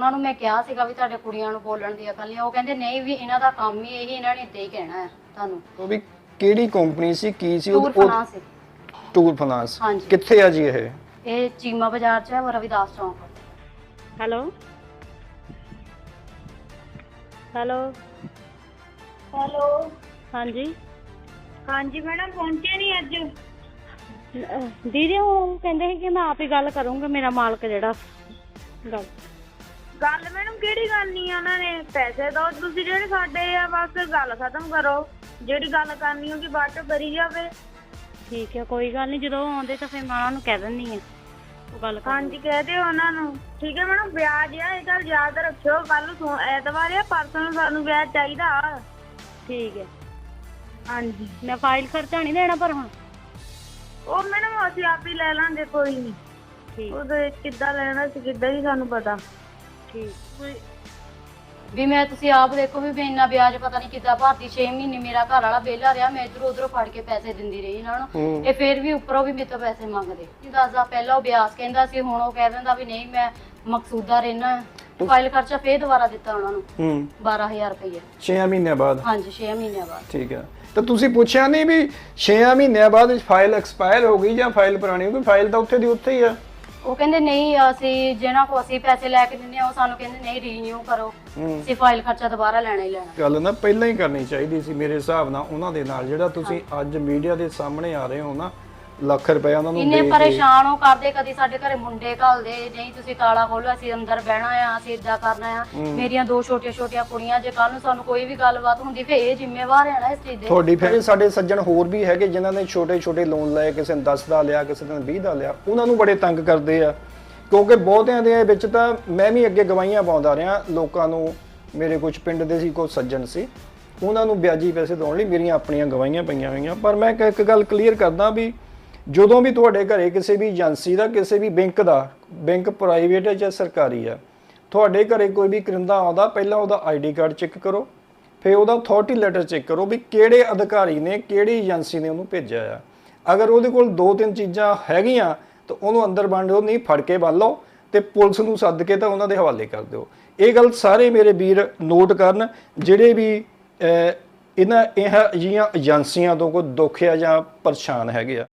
ਉਹਨਾਂ ਨੂੰ ਮੈਂ ਕਿਹਾ ਸੀਗਾ ਵੀ ਤੁਹਾਡੇ ਕੁੜੀਆਂ ਨੂੰ ਬੋਲਣ ਦੀ ਅਕਲ ਨਹੀਂ। ਉਹ ਕਹਿੰਦੇ ਨਹੀਂ ਵੀ ਇਹਨਾਂ ਦਾ ਕੰਮ ਹੀ ਇਹੀ, ਇਹਨਾਂ ਨੇ ਇੱਦਾਂ ਹੀ ਕਹਿਣਾ ਹੈ ਤੁਹਾਨੂੰ। ਉਹ ਵੀ ਕਿਹੜੀ ਕੰਪਨੀ ਸੀ, ਕੀ ਸੀ? ਟੂਰ ਫਾਈਨਾਂਸ ਸੀ। ਟੂਰ ਫਾਈਨਾਂਸ ਹਾਂਜੀ। ਕਿੱਥੇ ਆ ਜੀ ਇਹ? ਇਹ ਚੀਮਾ ਬਾਜ਼ਾਰ 'ਚ ਹੈ, ਰਵਿਦਾਸ ਚੌਂਕ। ਹੈਲੋ ਹੈਲੋ ਹੈਲੋ ਹਾਂਜੀ ਹਾਂਜੀ ਮੈਡਮ, ਪਹੁੰਚੇ ਨਹੀਂ ਅੱਜ? ਦੀਦੀ ਉਹ ਕਹਿੰਦੇ ਸੀ ਕਿ ਮੈਂ ਆਪ ਹੀ ਗੱਲ ਕਰੂੰਗਾ, ਮੇਰਾ ਮਾਲਕ ਜਿਹੜਾ ਗੱਲ ਮੈਡਮ ਕਿਹੜੀ ਗੱਲ ਨਹੀਂ ਆ, ਉਹਨਾਂ ਨੇ ਪੈਸੇ ਦੋ ਤੁਸੀਂ ਜਿਹੜੇ ਸਾਡੇ ਆ, ਬਸ ਗੱਲ ਖਤਮ ਕਰੋ। ਜਿਹੜੀ ਗੱਲ ਕਰਨੀ ਹੋਗੀ ਬਾਅਦ ਚ ਕਰੀ ਜਾਵੇ। ਠੀਕ ਹੈ, ਕੋਈ ਗੱਲ ਨਹੀਂ, ਜਦੋਂ ਆਉਂਦੇ ਤਾਂ ਫਿਰ ਮੈਂ ਉਹਨਾਂ ਨੂੰ ਕਹਿ ਦਿੰਦੀ ਆ ਉਹ ਗੱਲ ਕਰ। ਹਾਂਜੀ ਕਹਿ ਦਿਓ ਉਹਨਾਂ ਨੂੰ। ਠੀਕ ਹੈ ਮੈਡਮ, ਵਿਆਜ ਆ ਇਹ ਗੱਲ ਯਾਦ ਰੱਖਿਓ। ਕੱਲ ਨੂੰ ਐਤਵਾਰ ਆ, ਪਰਸੋਂ ਨੂੰ ਸਾਨੂੰ ਵਿਆਜ ਚਾਹੀਦਾ। ਠੀਕ ਹੈ, ਹਾਂਜੀ ਮੈਂ ਫਾਈਲ ਖਰਚਾ ਨਹੀਂ ਦੇਣਾ ਪਰ ਹੁਣ। ਉਹ ਮੈਡਮ ਅਸੀਂ ਆਪ ਹੀ ਲੈ ਲਾਂਗੇ, ਕੋਈ ਨਹੀਂ। ਠੀਕ ਉਹਦੇ ਕਿੱਦਾਂ ਲੈਣਾ ਸੀ, ਕਿੱਦਾਂ ਹੀ ਸਾਨੂੰ ਪਤਾ। ਠੀਕ ਵੀ ਮੈਂ ਤੁਸੀਂ ਆਪ ਦੇਖੋ ਵੀ ਮੈਂ ਇੰਨਾ ਵਿਆਜ ਪਤਾ ਨਹੀਂ ਕਿੱਦਾਂ ਭਰਤੀ। 6 ਮਹੀਨੇ ਮੇਰਾ ਘਰ ਵਾਲਾ ਵਿਹਲਾ ਰਿਹਾ, ਮੈਂ ਇਧਰੋਂ ਉਧਰੋਂ ਫੜ ਕੇ ਪੈਸੇ ਦਿੰਦੀ ਰਹੀ ਇਹਨਾਂ ਨੂੰ। ਇਹ ਫੇਰ ਵੀ ਉੱਪਰੋਂ ਵੀ ਮੇਰੇ ਤੋਂ ਪੈਸੇ ਮੰਗਦੇ। ਦੱਸਦਾ ਪਹਿਲਾਂ ਉਹ ਵਿਆਜ ਕਹਿੰਦਾ ਸੀ, ਹੁਣ ਉਹ ਕਹਿ ਦਿੰਦਾ ਵੀ ਨਹੀਂ ਮੈਂ ਮਕਸੂਦਾ ਰਹਿਣਾ। ਫਾਈਲ ਖਰਚਾ ਫੇਰ ਦੁਬਾਰਾ ਦਿੱਤਾ ਉਹਨਾਂ ਨੂੰ 12000 ਰੁਪਏ 6 ਮਹੀਨਿਆਂ ਬਾਅਦ। ਹਾਂਜੀ 6 ਮਹੀਨਿਆਂ ਬਾਅਦ। ਠੀਕ ਹੈ, ਤਾਂ ਤੁਸੀਂ ਪੁੱਛਿਆ ਨਹੀਂ ਵੀ 6 ਮਹੀਨਿਆਂ ਬਾਅਦ ਫਾਈਲ ਐਕਸਪਾਇਰ ਹੋ ਗਈ ਜਾਂ ਫਾਈਲ ਪੁਰਾਣੀ ਹੋ ਗਈ? ਫਾਈਲ ਤਾਂ ਉੱਥੇ ਦੀ ਉੱਥੇ ਹੀ ਆ। ਉਹ ਕਹਿੰਦੇ ਨਹੀਂ ਅਸੀਂ ਜਿਹਨਾਂ ਕੋ ਅਸੀਂ ਪੈਸੇ ਲੈ ਕੇ ਦਿੰਦੇ ਆ, ਉਹ ਸਾਨੂੰ ਕਹਿੰਦੇ ਨਹੀਂ ਰੀਨਿਊ ਕਰੋ, ਅਸੀਂ ਫਾਈਲ ਖਰਚਾ ਦੁਬਾਰਾ ਲੈਣਾ ਹੀ ਲੈਣਾ। ਗੱਲ ਨਾ ਪਹਿਲਾਂ ਹੀ ਕਰਨੀ ਚਾਹੀਦੀ ਸੀ ਮੇਰੇ ਹਿਸਾਬ ਨਾਲ ਉਹਨਾਂ ਦੇ ਨਾਲ। ਜਿਹੜਾ ਤੁਸੀਂ ਅੱਜ ਮੀਡੀਆ ਦੇ ਸਾਹਮਣੇ ਆ ਰਹੇ ਹੋ ਨਾ, ਲੱਖ ਰੁਪਏ ਉਹਨਾਂ ਨੂੰ ਇੰਨੇ ਪਰੇਸ਼ਾਨ ਹੋ ਕਰਦੇ। ਕਦੀ ਸਾਡੇ ਘਰੇ ਮੁੰਡੇ ਘੱਲਦੇ, ਨਹੀਂ ਤੁਸੀਂ ਤਾਲਾ ਖੋਲੋ, ਅਸੀਂ ਅੰਦਰ ਬਹਿਣਾ ਆ, ਅਸੀਂ ਏਦਾਂ ਕਰਨਾ ਆ। ਮੇਰੀਆਂ 2 ਛੋਟੀਆਂ ਕੁੜੀਆਂ, ਜੇ ਕੱਲ ਨੂੰ ਸਾਨੂੰ ਕੋਈ ਵੀ ਗੱਲਬਾਤ ਹੁੰਦੀ ਫੇਰ ਇਹ ਜ਼ਿੰਮੇਵਾਰ ਹੈ ਨਾ ਇਸ ਚੀਜ਼ ਦੇ। ਤੁਹਾਡੀ ਫਿਰ ਸਾਡੇ ਸੱਜਣ ਹੋਰ ਵੀ ਹੈਗੇ ਜਿਨ੍ਹਾਂ ਨੇ ਛੋਟੇ ਲੋਨ ਲਏ, ਕਿਸੇ ਨੇ 10 ਦਾ ਲਿਆ, ਕਿਸੇ ਨੇ 20 ਦਾ ਲਿਆ। ਉਹਨਾਂ ਨੂੰ ਬੜੇ ਤੰਗ ਕਰਦੇ ਆ, ਕਿਉਂਕਿ ਬਹੁਤਿਆਂ ਦੇ ਵਿੱਚ ਤਾਂ ਮੈਂ ਵੀ ਅੱਗੇ ਗਵਾਹੀਆਂ ਪਾਉਂਦਾ ਰਿਹਾ ਲੋਕਾਂ ਨੂੰ। ਮੇਰੇ ਕੁਝ ਪਿੰਡ ਦੇ ਸੀ, ਕੁਝ ਸੱਜਣ ਸੀ, ਉਹਨਾਂ ਨੂੰ ਵਿਆਜੀ ਪੈਸੇ ਦੇਣ ਲਈ ਮੇਰੀਆਂ ਆਪਣੀਆਂ ਗਵਾਹੀਆਂ ਪਈਆਂ ਹੋਈਆਂ। ਪਰ ਮੈਂ ਇੱਕ ਗੱਲ ਕਲੀਅਰ ਕਰਦਾ ਵੀ ਜਦੋਂ ਵੀ ਤੁਹਾਡੇ ਘਰੇ ਕਿਸੇ ਵੀ ਏਜੰਸੀ ਦਾ, ਕਿਸੇ ਵੀ ਬੈਂਕ ਦਾ, ਬੈਂਕ ਪ੍ਰਾਈਵੇਟ ਹੈ ਜਾਂ ਸਰਕਾਰੀ ਆ, ਤੁਹਾਡੇ ਘਰੇ ਕੋਈ ਵੀ ਕਰਿੰਦਾ ਆਉਂਦਾ, ਪਹਿਲਾਂ ਉਹਦਾ ਆਈਡੀ ਕਾਰਡ ਚੈੱਕ ਕਰੋ, ਫਿਰ ਉਹਦਾ ਅਥਾਰਟੀ ਲੈਟਰ ਚੈੱਕ ਕਰੋ ਵੀ ਕਿਹੜੇ ਅਧਿਕਾਰੀ ਨੇ, ਕਿਹੜੀ ਏਜੰਸੀ ਨੇ ਉਹਨੂੰ ਭੇਜਿਆ ਆ। ਅਗਰ ਉਹਦੇ ਕੋਲ 2-3 ਚੀਜ਼ਾਂ ਹੈਗੀਆਂ ਤਾਂ ਉਹਨੂੰ ਅੰਦਰ ਬੰਨ ਦਿਓ, ਨਹੀਂ ਫੜ ਕੇ ਬੰਨ ਲਓ ਤੇ ਪੁਲਿਸ ਨੂੰ ਸੱਦ ਕੇ ਤਾਂ ਉਹਨਾਂ ਦੇ ਹਵਾਲੇ ਕਰ ਦਿਓ। ਇਹ ਗੱਲ ਸਾਰੇ ਮੇਰੇ ਵੀਰ ਨੋਟ ਕਰਨ, ਜਿਹੜੇ ਵੀ ਇਹ ਜਿਹੀਆਂ ਏਜੰਸੀਆਂ ਤੋਂ ਕੋਈ ਦੁੱਖ ਆ ਜਾਂ ਪਰੇਸ਼ਾਨ ਹੈਗੇ ਆ।